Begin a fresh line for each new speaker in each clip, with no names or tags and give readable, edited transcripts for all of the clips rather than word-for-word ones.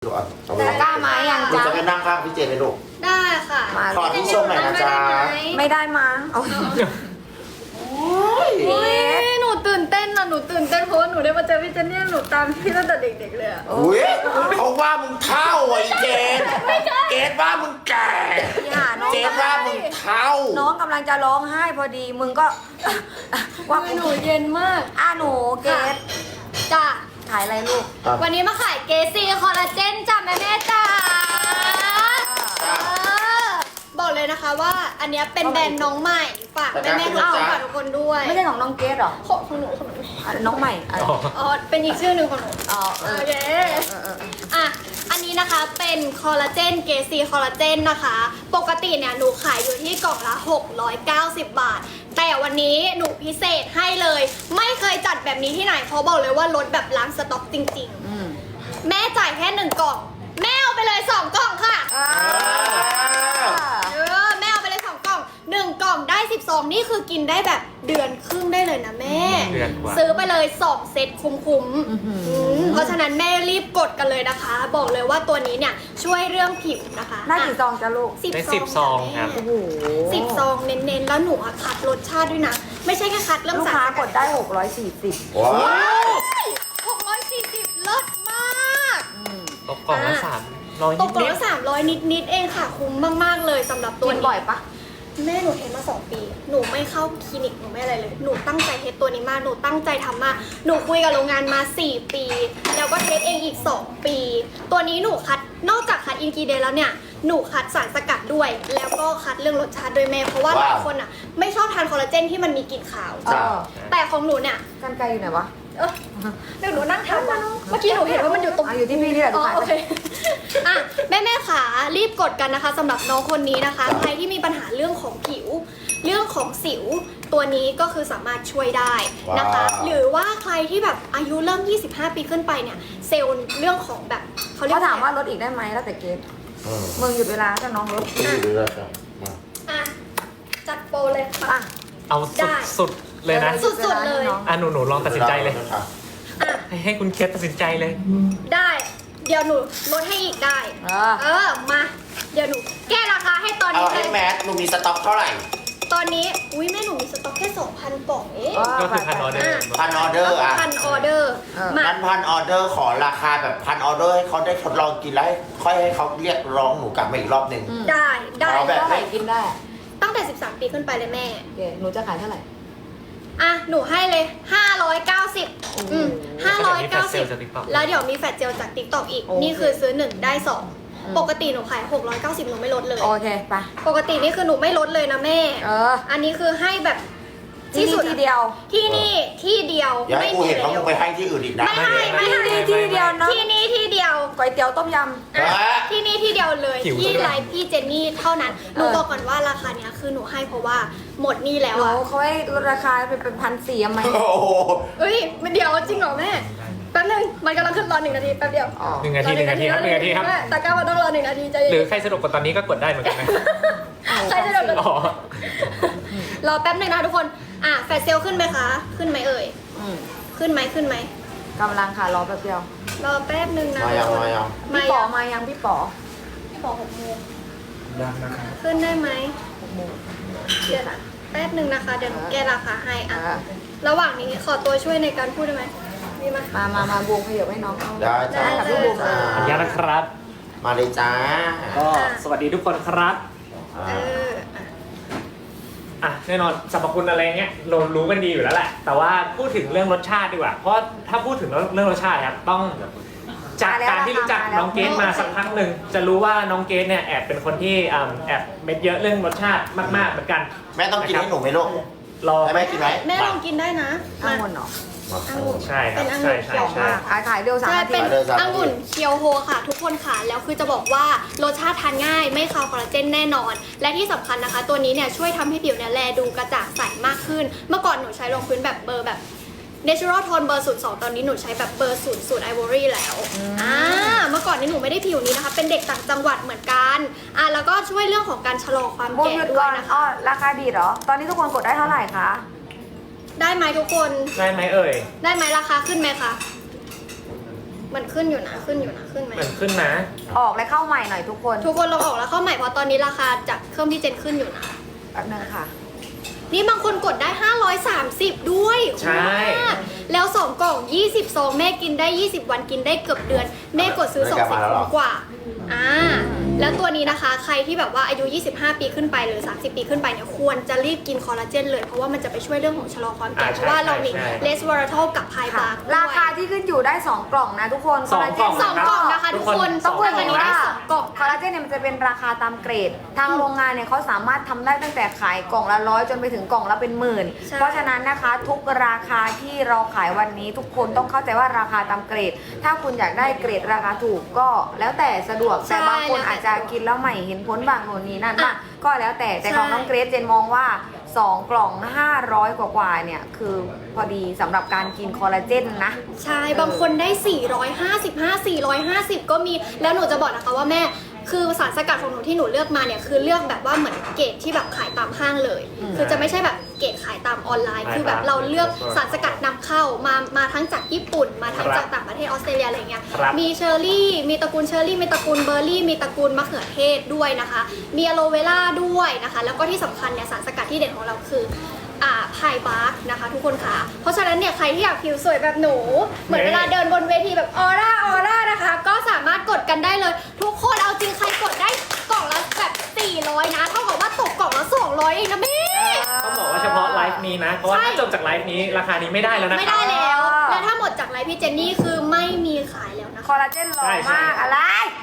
กล้ามาอย่าง
หนู
จ๊ะ
จะไปนั่งข้างพี่เจนเลยลูก
ได้ค่ะ
ขอที่ชมหน่อยนะจ๊ะ
ไม่ได้มาเอา
โอ้ยหนูตื่นเต้นนะหนูตื่นเต้นเพราะว่าหนูได้มาเจอพี่เจนนี่หนูตามพี่ตั้งแต่เด็กๆเลยอะ
อุ้ยเขาว่ามึงเท่าไอ้เจนเจนว่ามึงแก่
พี่หาน้อง
เจนว่ามึงเท่า
น้องกำลังจะร้องไห้พอดีมึงก็ ว่า
หนูเย็นมาก
หนูเกด
จ้ะ
ขายอะไรลูก
วันนี้มาขายเกซี่คอลลาเจนจ้ะแม่จ้าบอกเลยนะคะว่าอันเนี้ยเป็นแบรนด์น้องใหม่ฝากแม่ๆทุกคนฝากทุกคนด้วย
ไม่ใช่ของน้องเกดหรอ
ของหนู
น้องใหม่อ่ะ
อ๋อเป็นอีกชื่อหนึ่งของหนู
อ๋อเอ
โอ
อ
เคอ่ะอันนี้นะคะเป็นคอลลาเจนเกซีคอลลาเจนนะคะ ปกติเนี่ยหนูขายอยู่ที่กล่องละ690 บาท แต่วันนี้หนูพิเศษให้เลย ไม่เคยจัดแบบนี้ที่ไหนเพราะบอกเลยว่าลดแบบล้างสต็อกจริงๆ แม่จ่ายแค่1 กล่อง แม่เอาไปเลย2 กล่องค่ะแม่เอาไปเลย2 กล่อง1 กล่องได้10 ซองนี่คือกินได้แบบเดือนครึ่งได้เลยนะแม่ ซื้อไปเลย2 เซตคุ้มๆเพราะฉะนั้นแม่รีบกดกันเลยนะคะ บอกเลยว่าตัวนี้เนี่ยช่วยเรื่องผิวนะคะ
ได้กี่ซองจ้ะลูก
ได้10 ซองครับ
โอ้โห
10 ซองเน้นๆแล้วหนูอะคัดรสชาติด้วยนะ ไม่ใช่แค่คัดเรื่อง
ลูก
สาร
ค้า
ส
ก
กั
ดได้640
ว้าว
640เลิศมาก
ตกกล่องละ300
ตกกล่อง
นิด
ละ300 นิดๆเองค่ะ คุ้มมากๆเลยสำหรับตัว
กิน
นี้
บ่อยปะ
แม่หนูเทสมา2 ปี หนูไม่เข้าคลินิกหนูไม่อะไรเลย หนูตั้งใจเทสตัวนี้มาก หนูตั้งใจทำมาก หนูคุยกับโรงงานมา4 ปี แล้วก็เทสเองอีก2 ปี ตัวนี้หนูคัด นอกจากคัดอินกิเดนแล้วเนี่ย หนูคัดสารสกัดด้วย แล้วก็คัดเรื่องรสชาติด้วยแม่ เพราะว่าหลายคนอ่ะไม่ชอบทานคอลลาเจนที่มันมีกลิ่นขาว
เออ
แต่ของหนูเนี่ย
กันไกลอยู่ไหนวะ
เดี๋ยวหนูนั่งทำนะเมื่อกี้หนูเห็นว่ามันอยู่ตรง
อยู่ที่พี่นี่แหละ
อ๋อ
ขาย
โอ
ไป
เคอ่ะแม่ขารีบกดกันนะคะสำหรับน้องคนนี้นะคะ ใครที่มีปัญหาเรื่องของผิว เรื่องของสิว ตัวนี้ก็คือสามารถช่วยได้นะคะ หรือว่าใครที่แบบอายุเริ่ม 25 ปีขึ้นไปเนี่ย เซลล์เรื่องของแบบเขาเรียก
เขาถามว่าลดอีกได้ไหมแล้วแต่เกดมึงหยุดเวลาถ้าน้องลด
ดีเลยจ้ะมา
อ่ะจัดโปรเลยค่ะ
อ่ะ
ๆเอา
ได้
สุดเลยนะ
สุดๆเลย
หนูลองตัดสินใจเลย
อ่ะ
ให้คุณเคสตัดสินใจเลย
ได้ เดี๋ยวหนูลดให้อีกได้ มา เดี๋ยวหนูแก้ราคาให้ตอน
เอา
นี้เล
ให้
ย
แมทหนูมีสต็อกเท่าไหร่
ตอนนี้ อุ้ยแม่หนูมีสต็อกแค่ 2,000 กล่องเอง
ก็คือพันออเดอร์
พันออเดอร์อ่ะ
พันออเดอร์ มา
นั้นพันออเดอร์ขอราคาแบบพันออเดอร์ให้เขาได้ทดลองกินแล้วค่อยให้เขาเรียกร้องหนูกลับมาอีกรอบหนึ่ง
ได้ได้
เอาแบบ
เท่าไหร่กินได้
ตั้งแต่ 13 ปีขึ้นไปเลยแม่
โอเคหนูจะขายเท่าไหร่
อ่ะ หนูให้เลย 590 590 แล้วเดี๋ยวมีแฟลชเจลจาก TikTok อีก นี่คือซื้อ 1 ได้ 2 ปกติหนูขาย 690 หนูไม่ลดเลย
โอเคไป
ปกตินี่คือหนูไม่ลดเลยนะแม่ อันนี้คือให้แบบ
ที่นี่ที่เดียว
ที่นี่ที่เดียว
อย่าให้
ไม่
กู
มี
เห็น
แล้
เขามึ
ว
งไปให้ที่อื่นอีกนะ
ไม่ให้ไม่ให้
ที่เดียวเนาะ
ที่นี่ที่เดียว
ก๋วยเตี๋ยวต้มย
ที่นี่ที่เดียวเลย
หิวซะด้วย
ที่ไลฟ์พี่เจนนี่เท่านั้น หนูบอกก่อนว่าราคาเนี้ยคือหนูให้เพราะว่าหมดนี่
ำ
แล้ว
โอ้
อะ
เขาให้ลดราคาเป็น1,400ไหม
โอ้โห
เอ้ยเดี๋ยวจริงเหรอแม่ แป๊บนึงมันกำลังขึ้นรอ1 นาทีแป๊บเดียว
อ๋อ
1 นาที1 นาทีครับ1 นาทีครับ
แม่ตะกร้ามันต้องรอ1 นาทีใจ
หรื
เย็
อน ใครสะดวกกว่าตอนนี้ก็กดได้เหมือนกันนะ
ใครจะเดิน
อ๋อ
รอแป๊บนึงนะทุกคน แฟลชเซลขึ้นไหมคะ ขึ้นไหมเอ่ย ขึ้นไหมขึ้นไหม
กำลังค่ะรอแป๊บเดียว
รอแป๊บนึงนะ
มายัง
ทุกคน
มายัง
พี่ป๋อมายังพี่ป๋อ
พี่บอก6 โมง
ยังนะครับ
ขึ้นได้ไหม
6 โมง
เดี๋ยวนะแป๊บนึงนะคะ เดี๋ยวหนูแก้ราคาให้
อ่ะ
ระหว่างนี้ขอตัวช่วยในการพูดได้ไหมมีไหม
มาบวงขยับให้น้องเอา
ได้จ้า
ได้
กับพี่บูม
จ้า
ขออนุญาตนะครับ
มาเลยจ้า
ก็สวัสดีทุกคนครับ
เอออ่ะ
แน่นอนสรรพคุณอะไรเงี้ยเรารู้กันดีอยู่แล้วแหละ แต่ว่าพูดถึงเรื่องรสชาติดีกว่า เพราะถ้าพูดถึงเรื่องรสชาติครับต้องจากการที่รู้จักน้องเกดมาสักพักหนึ่งจะรู้ว่าน้องเกดเนี่ยแอบเป็นคนที่แอบเม็ดเยอะเรื่องรสชาติมากๆเหมือนกัน
แม่ต้องกินให้หนูไหมลูก
รอ
ให้แม่กินไหม
แม่ลองกินได้นะ
อังุ่นเหรอ
องุ่น
ใช่ครับ
เป็นองุ่น
ใช่
เขียว
ใช่
มาก
ขายเร็ว3
ใช่
นาที
เป็นองุ่นเคียวโฮค่ะ ทุกคนค่ะ แล้วคือจะบอกว่ารสชาติทานง่าย ไม่คาวคอลลาเจนแน่นอน และที่สำคัญนะคะ ตัวนี้เนี่ยช่วยทำให้ผิวเนี่ยแลดูกระจ่างใสมากขึ้น เมื่อก่อนหนูใช้รองพื้นแบบเบอร์แบบ Natural Tone เบอร์ 02 ตอนนี้หนูใช้แบบเบอร์ 00 Ivory แล้วเมื่อก่อนนี้หนูไม่ได้ผิวนี้นะคะ เป็นเด็กต่างจังหวัดเหมือนกันแล้วก็ช่วยเรื่องของการชะลอความ
บูม
แก่
หยุด
ด้ว
ก่
ย
อน
นะคะ
ราคาดีเหรอ ตอนนี้ทุกคนกดได้เท่าไหร่คะ
ได้ไหมทุกคน
ได้ไหมเอ่ย
ได้ไหมราคาขึ้นไหมคะมันขึ้นอยู่นะขึ้นอยู่นะขึ้นไหม
เหมือนขึ้นนะ
ออกและเข้าใหม่หน่อยทุกคน
ทุกคนลองออกแล้วเข้าใหม่เพราะตอนนี้ราคาจากเครื่องพี่เจนขึ้นอยู่นะ
แป๊บนึงค่ะ
นี่บางคนกดได้ 530 ด้วย
ใช่
คุ้มมากแล้ว 2 กล่อง 20 ซองแม่กินได้ 20 วันกินได้เกือบเดือน แม่กดซื้อ2 10คุ้มกว่าแล้วตัวนี้นะคะใครที่แบบว่าอายุ 25 ปีขึ้นไปหรือ 30 ปีขึ้นไปเนี่ยควรจะรีบกินคอลลาเจนเลยเพราะว่ามันจะไปช่วยเรื่องของชะลอความแก่เพราะว่าเรามีเลสวอร์ทอลกับไพบาร์
ราคาที่ขึ้นอยู่ได้ 2 กล่องนะทุกคน
สองกล่อง
สองกล่องนะคะทุกคน
ต้องพูด
อั
กัน
นนี้
ว่า
ได้สองกล่อง
คอลลาเจนเนี่ยมันจะเป็นราคาตามเกรด ทางโรงงานเนี่ยเขาสามารถทำได้ตั้งแต่ขายกล่องละ100จนไปถึงกล่องละเป็นหมื่น
ใช่
เพราะฉะนั้นนะคะทุกราคาที่เราขายวันนี้ทุกคนต้องเข้าใจว่าราคาตามเกรด ถ้าคุณอยากได้เกรดราคาถูกก็แล้วแต่สะดวกแต่บางคนอาจจะกินแล้วใหม่เห็นผลบางโน่นนี่นั่นมากก็แล้วแต่ของน้องเกรซเจนมองว่า 2 กล่อง 500 กว่าๆเนี่ยคือพอดีสำหรับการกินคอลลาเจนนะ
ใช่บางคนได้ 455 450 ก็มีแล้วหนูจะบอกนะคะว่าแม่คือสารสกัดของหนูที่หนูเลือกมาเนี่ยคือเลือกแบบว่าเหมือนเกรดที่แบบขายตามห้างเลย คือจะไม่ใช่แบบเกรดขายตามออนไลน์ คือแบบเราเลือกสารสกัดนำเข้ามาทั้งจากญี่ปุ่น มาทั้งจากต่างประเทศออสเตรเลียอะไรเงี้ย
ครับ
มีเชอร์รี่มีตระกูลเชอร์รี่มีตระกูลเบอร์รี่มีตระกูลมะเขือเทศด้วยนะคะ มีอะโลเวล่าด้วยนะคะ แล้วก็ที่สำคัญเนี่ยสารสกัดที่เด่นของเราคือไพบาร์กนะคะทุกคนค่ะ เพราะฉะนั้นเนี่ยใครที่อยากผิวสวยแบบหนู เหมือนเวลาเดินบนเวทีแบบออร่านะคะ ก็สามารถกดกันได้เลย ทุกคนเอาจริงใครกดได้กล่องละแบบ400นะเท่ากับว่าตกกล่องละ200เองนะแม่
ต้องบอกว่าเฉพาะไลฟ์นี้นะ เพราะว่า
ใช่
ถ้าจบจากไลฟ์นี้ราคานี้ไม่ได้แล้วนะ
ไม่
ครั
ได้
บ
แล้ว และถ้าหมดจากไลฟ์พี่เจนนี่คือไม่มีขายแล้วนะ
ค
คะ
อลลาเจนหล่อ
ใช่
มากอะไร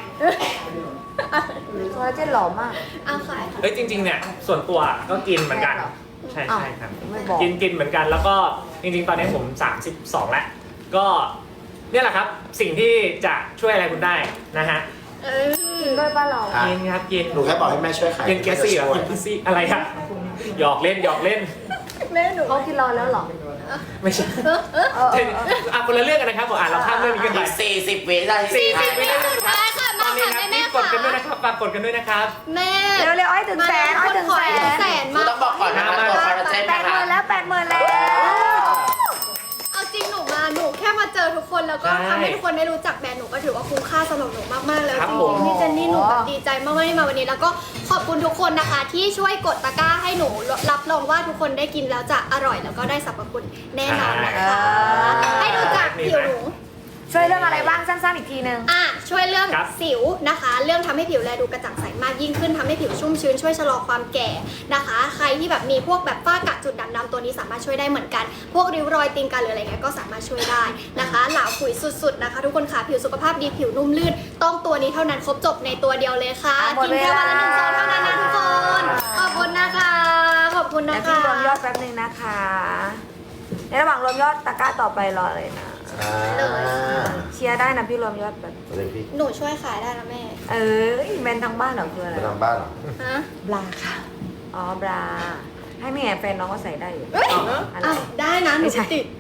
คอลลาเจนหล่อมาก
เอาขาย
เฮ้ยจริงๆเนี่ยส่วนตัวก็กินเหมือนกัน
แม่เหรอ
ใช่
อ้าว
ใช่ครับ
ไม่บอก
กินเหมือนกันแล้วก็จริงๆตอนนี้ผม 32 แล้ว ก็เนี่ยแหละครับสิ่งที่จะช่วยอะไรคุณได้นะฮะ
กินด้วยป้าเรา
อ่ะ
กินครับกิน
หนูแค่บอกให้แม่ช่วยขาย
กินเกสซี่เหรอ
ช่วย
กินเกสซี่อะไรครับหยอกเล่นหยอกเล่น
แม่หนู
เขากินเราแล้วเหรอ
ไม่ใช่
เออ
คนละเรื่องกันนะครับผมเราข้ามเรื่องนี้กันไป
อีก40 วินาที
40 วิสุดท้ายค่ะ
ต
มา
อนนี้
ค่ะ
ครับ
แม่
รีบกดกันด้วยนะครับฝากกดกันด้วยนะครับ
แม่
เร็วๆอ้อยถึงแสนอ้อยถึงแสน
แสน
หนู
มา
ต้องบอกก่อนนะคะตัวคอลลาเจน
แป
นะ
ดห
คะ
มื่นแล้ว80,000แล้ว
เอาจริงหนูแค่มาเจอทุกคนแล้วก็
ใช่
ทำให้ทุกคนได้รู้จักแบรนด์หนูก็ถือว่าคุ้มค่าสำหรับหนูมากๆแล้ว
ครับ
จ
ผม
ริงๆพี่เจนนี่หนูแบบดีใจมากๆที่มาวันนี้แล้วก็ขอบคุณทุกคนนะคะ ที่ช่วยกดตะกร้าให้หนูรับรองว่าทุกคนได้กินแล้วจะอร่อยแล้วก็ได้สรรพคุณแน่นอนนะคะ ให้ดูจากผิวหนู
ช่วยเรื่องอะไรบ้างสั้นๆอีกทีนึง
ช่วยเรื่อง
ครับ
สิวนะคะ เรื่องทำให้ผิวแลดูกระจ่างใสมากยิ่งขึ้นทำให้ผิวชุ่มชื้นช่วยชะลอความแก่นะคะ ใครที่แบบมีพวกแบบฝ้ากระจุดด่างดำตัวนี้สามารถช่วยได้เหมือนกัน พวกริ้วรอยตีนกาหรืออะไรเงี้ยก็สามารถช่วยได้นะคะหลาขุยสุดๆนะคะ ทุกคนค่ะผิวสุขภาพดีผิวนุ่มลื่น ต้องตัวนี้เท่านั้นครบจบในตัวเดียวเลยค่ะ
หมด
กินแค่วันละ 1 ซองเท่านั้นนะทุกคนขอบคุณนะคะขอบคุณ
เดี๋
นะ
ยวพี่
คะ
รวมยอดแป๊บนึงนะคะ ในระหว่างรวมยอดตะกร้าต่อไปรอเลยนะ เชียร์ได้นะพี่รวมยอดแบบ
อะไรพี่
หนูช่วยขายได้นะแม่
แบรนด์ทางบ้านเหรอคืออะไร
ไปทำบ้านเหรอ
ฮะ
บลาค่ะ อ๋อบลา ให้แม่แฟนน้องก็ใส่ได้อยู่
เอ้ย
อะไร
อ้าวได้นะหนู
ไม่ใช่
ติด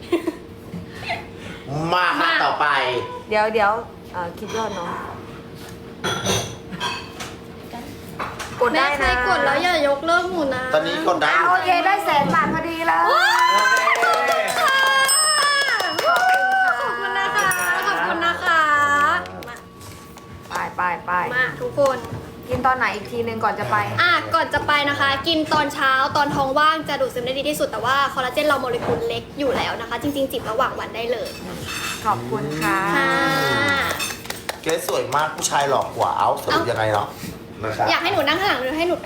มาค่ะต่อไป
เดี๋ยวคิดยอดน้องกด
แม่
ได้
ใคร
นะ
กดแล้วอย่ายกเลิกหนูนะ
ตอนนี้กดได้อยู่
โอเคได้100,000 บาทพอดีเลย
ขอบคุณนะคะ ขอบคุณนะคะ
ไป
มาทุกคน
กินตอนไหนอีกทีนึงก่อนจะไป
ก่อนจะไปนะคะ กินตอนเช้าตอนท้องว่างจะดูดซึมได้ดีที่สุดแต่ว่าคอลลาเจนเราโมเลกุลเล็กอยู่แล้วนะคะ จริงๆ จิบระหว่างวันได้เลย
ขอบคุณค่ะ
ค่ะ
เกรซสวยมากผู้ชายหลอกกว่าเอ้าสรุปยังไงเนาะนะคะ
อยากให้หนูนั่งข้างหลังหรือให้หนู